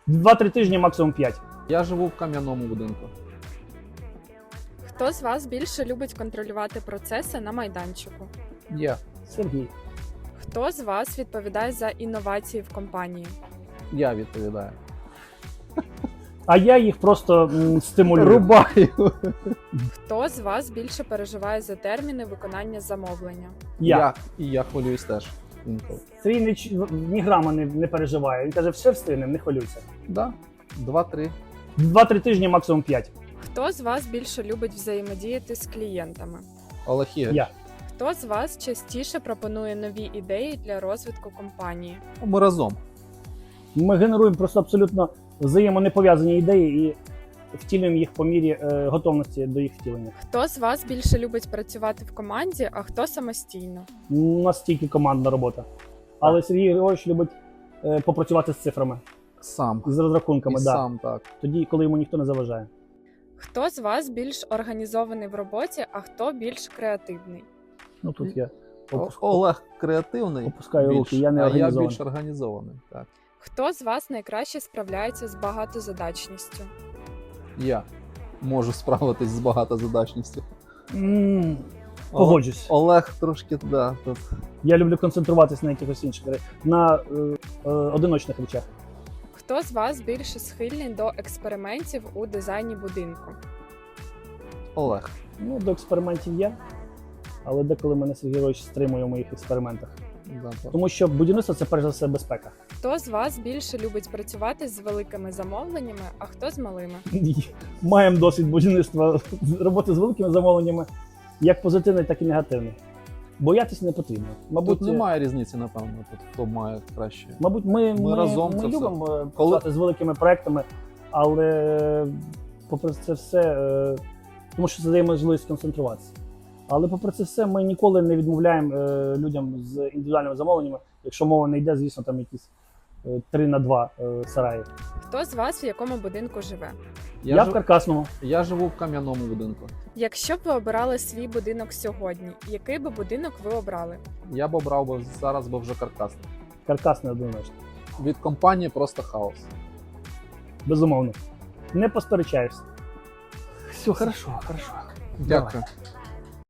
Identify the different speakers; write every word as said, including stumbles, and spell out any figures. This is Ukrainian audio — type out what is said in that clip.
Speaker 1: два-три тижні, максимум п'ять.
Speaker 2: Я живу в кам'яному будинку.
Speaker 3: Хто з вас більше любить контролювати процеси на майданчику?
Speaker 2: Я.
Speaker 1: Сергій.
Speaker 3: Хто з вас відповідає за інновації в компанії?
Speaker 2: Я відповідаю.
Speaker 1: А я їх просто м, стимулюю.
Speaker 2: Рубаю.
Speaker 3: Хто з вас більше переживає за терміни виконання замовлення?
Speaker 1: Я.
Speaker 2: І я хвилююсь теж. Інколи.
Speaker 1: Сергій ні, ч- ні грама не, не переживає. Він каже, все встигнемо, не хвилюйся.
Speaker 2: Да. Два-три.
Speaker 1: два-три тижні, максимум п'ять.
Speaker 3: Хто з вас більше любить взаємодіяти з клієнтами?
Speaker 2: Олег Ігорович.
Speaker 1: Я.
Speaker 3: Хто з вас частіше пропонує нові ідеї для розвитку компанії?
Speaker 2: Ми разом.
Speaker 1: Ми генеруємо просто абсолютно взаємонепов'язані ідеї і втілюємо їх по мірі е, готовності до їх втілення.
Speaker 3: Хто з вас більше любить працювати в команді, а хто самостійно?
Speaker 1: У нас тільки командна робота. Але Сергій Григорович любить е, попрацювати з цифрами,
Speaker 2: Сам.
Speaker 1: з розрахунками.
Speaker 2: І
Speaker 1: Да.
Speaker 2: сам, так.
Speaker 1: Тоді, коли йому ніхто не заважає.
Speaker 3: Хто з вас більш організований в роботі, а хто більш креативний?
Speaker 1: Ну тут я
Speaker 2: О-
Speaker 1: опуск-
Speaker 2: Олег креативний.
Speaker 1: опускаю
Speaker 2: більш,
Speaker 1: руки, я не
Speaker 2: а я
Speaker 1: організований.
Speaker 2: більш організований. Так.
Speaker 3: Хто з вас найкраще справляється з багатозадачністю?
Speaker 2: Я можу справитись з багатозадачністю.
Speaker 1: М, Погоджусь.
Speaker 2: Олег трошки, да, тут.
Speaker 1: Я люблю концентруватись на якихось інших ре- на е, е, одиночних речах.
Speaker 3: Хто з вас більше схильний до експериментів у дизайні будинку?
Speaker 2: Олег.
Speaker 1: Ну, до експериментів є, але деколи мене Сергій Григорович стримує в моїх експериментах.
Speaker 2: Да, так.
Speaker 1: Тому що будівництво це перш за все безпека.
Speaker 3: Хто з вас більше любить працювати з великими замовленнями, а хто з малими?
Speaker 1: Маємо досвід будівництва роботи з великими замовленнями, як позитивний, так і негативний. Боятися не потрібно. Мабуть,
Speaker 2: Тут немає різниці, напевно, тут хто має краще.
Speaker 1: Мабуть, ми, ми,
Speaker 2: Ми разом
Speaker 1: ми
Speaker 2: це все.
Speaker 1: любимо е,
Speaker 2: Коли-
Speaker 1: працювати з великими проектами, але попри це все, е, тому що це дає можливість концентруватися. Але попри це все, ми ніколи не відмовляємо е, людям з індивідуальними замовленнями, якщо мова не йде, звісно, там якісь е, три на два е, сараї.
Speaker 3: Хто з вас в якому будинку живе?
Speaker 1: Я,
Speaker 2: Я,
Speaker 1: в
Speaker 2: жив-
Speaker 1: Каркасному.
Speaker 2: я живу в кам'яному будинку.
Speaker 3: Якщо б ви обирали свій будинок сьогодні, який би будинок ви обрали?
Speaker 2: Я б обрав би зараз би вже каркасний.
Speaker 1: Каркасний однозначно.
Speaker 2: Від компанії просто хаос.
Speaker 1: Безумовно. Не посперечаєшся. Все, хорошо, хорошо.
Speaker 2: Дякую.
Speaker 1: Давай.